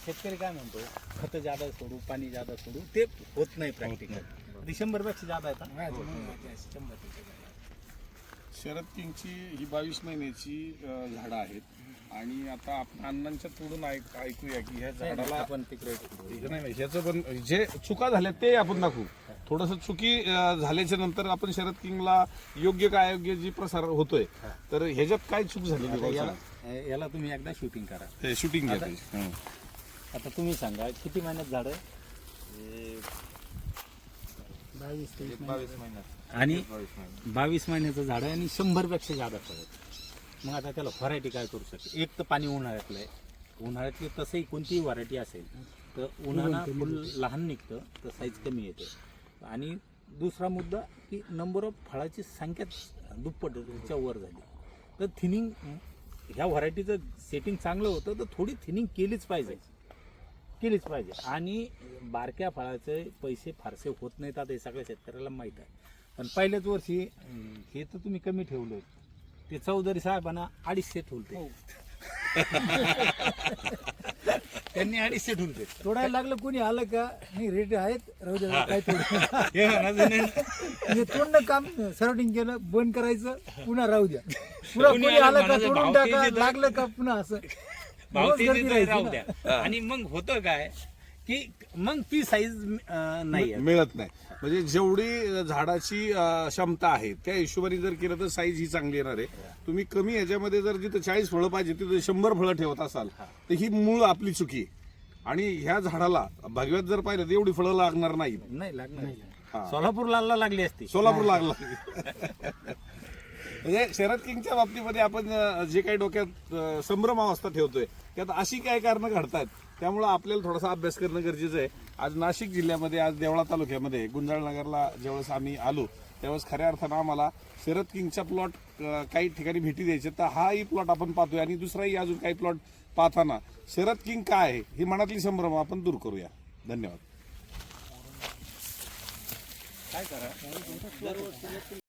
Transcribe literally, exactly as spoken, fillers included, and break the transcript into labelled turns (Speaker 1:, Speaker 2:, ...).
Speaker 1: शेतकरी काय म्हणतो खत जादा सोडू पाणी जादा सोडू ते होत नाही प्रॅक्टिकल ते शंभर पेक्षा जादा येतात
Speaker 2: शरद किंगची ही बावीस महिन्याची अ, झाडं आहेत आणि आता आपण अण्णांच्या तोडून ऐक ऐकूया की ह्या झाडाला
Speaker 1: आपण तिकडे
Speaker 2: हे नाही नाही ह्याचं पण जे चुका झाल्या ते आपण दाखवू. थोडंसं चुकी अ, झाल्याच्या नंतर आपण शरद किंगला योग्य काय अयोग्य जी प्रसार होतोय तर ह्याच्यात काय चूक झालेली
Speaker 1: आता
Speaker 2: बघा.
Speaker 1: याला याला तुम्ही एकदा शूटिंग करा.
Speaker 2: हे शूटिंग घ्या
Speaker 1: आता-
Speaker 2: त्याची. हं.
Speaker 1: आता तुम्ही सांगा किती महिन्यात झाड आणि बावीस महिन्याचं झाड आहे आणि शंभर पेक्षा जादा फळ. मग आता त्याला व्हरायटी काय करू शकते. एक तर पाणी उन्हाळ्यातलं आहे. उन्हाळ्यातली तसंही कोणतीही व्हरायटी असेल तर उन्हाळा फुल लहान निघतं तर साईज कमी येते. आणि दुसरा मुद्दा की नंबर ऑफ फळाची संख्या दुप्पटच्या वर झाली तर थिनिंग ह्या व्हरायटीचं सेटिंग चांगलं होतं तर थोडी थिनिंग केलीच पाहिजे केलीच पाहिजे. आणि बारक्या फळाचे पैसे फारसे होत नाहीत आता हे सगळ्या शेतकऱ्याला माहीत आहे. पण पहिल्याच वर्षी अं, हे तर तुम्ही कमी ठेवलं ते चौधरी साहेबांना अडीचशे ठेवले त्यांनी अडीचशे ठेवले.
Speaker 3: तोडायला लागलं कोणी आलं का नाही रेट आहेत राहू द्या काय थोडं
Speaker 1: हे म्हणायचं नाही.
Speaker 3: म्हणजे तोडणं काम सराउंडिंग केलं बंद करायचं पुन्हा राहू द्या पुन्हा
Speaker 1: कोणी
Speaker 3: कोणी
Speaker 1: आलं
Speaker 3: आलं का
Speaker 1: म्हणायचं
Speaker 3: तोडून
Speaker 1: भाव
Speaker 3: टाका
Speaker 1: तेजी तर-
Speaker 3: लागलं का पुन्हा असं
Speaker 1: भाव
Speaker 3: रोज
Speaker 1: ते
Speaker 3: गर्दी
Speaker 1: देतोय,
Speaker 3: राहायची
Speaker 1: राहू
Speaker 3: ना.
Speaker 1: द्या. आणि मग होतं काय की मग ती साईज नाही आहे.
Speaker 2: मिळत नाही म्हणजे जेवढी झाडाची अ, क्षमता आहे त्या हिशोबाने जर केलं तर साईज ही चांगली येणार आहे. तुम्ही कमी ह्याच्यामध्ये जर जिथं चाळीस फळं पाहिजे तिथं शंभर फळं ठेवत असाल तर ही मूळ आपली चुकी आहे. आणि ह्या झाडाला भगव्यात जर पाहिलं तर एवढी फळं लागणार नाही.
Speaker 1: नाही लागणार
Speaker 2: हा.
Speaker 1: सोलापूरला लागली असती.
Speaker 2: सोलापूर लागला म्हणजे शरद किंगच्या बाबतीमध्ये आपण अ, जे काही डोक्यात अ, संभ्रमावस्था ठेवतोय त्यात अशी काय कारणं घडतात त्यामुळे आपल्याला थोडासा अभ्यास करणं गरजेचं आहे. आज नाशिक जिल्ह्यामध्ये आज देवळा तालुक्यामध्ये गुंजाळनगरला ज्यावेळेस आम्ही आलो त्यावेळेस खऱ्या अर्थानं आम्हाला शरद किंगचा प्लॉट काही ठिकाणी भेटी द्यायचे तर हाही प्लॉट आपण पाहतोय आणि दुसराही अजून काही प्लॉट पाहताना शरद किंग काय आहे ही मनातली संभ्रम आपण दूर करूया. धन्यवाद.
Speaker 1: काय करा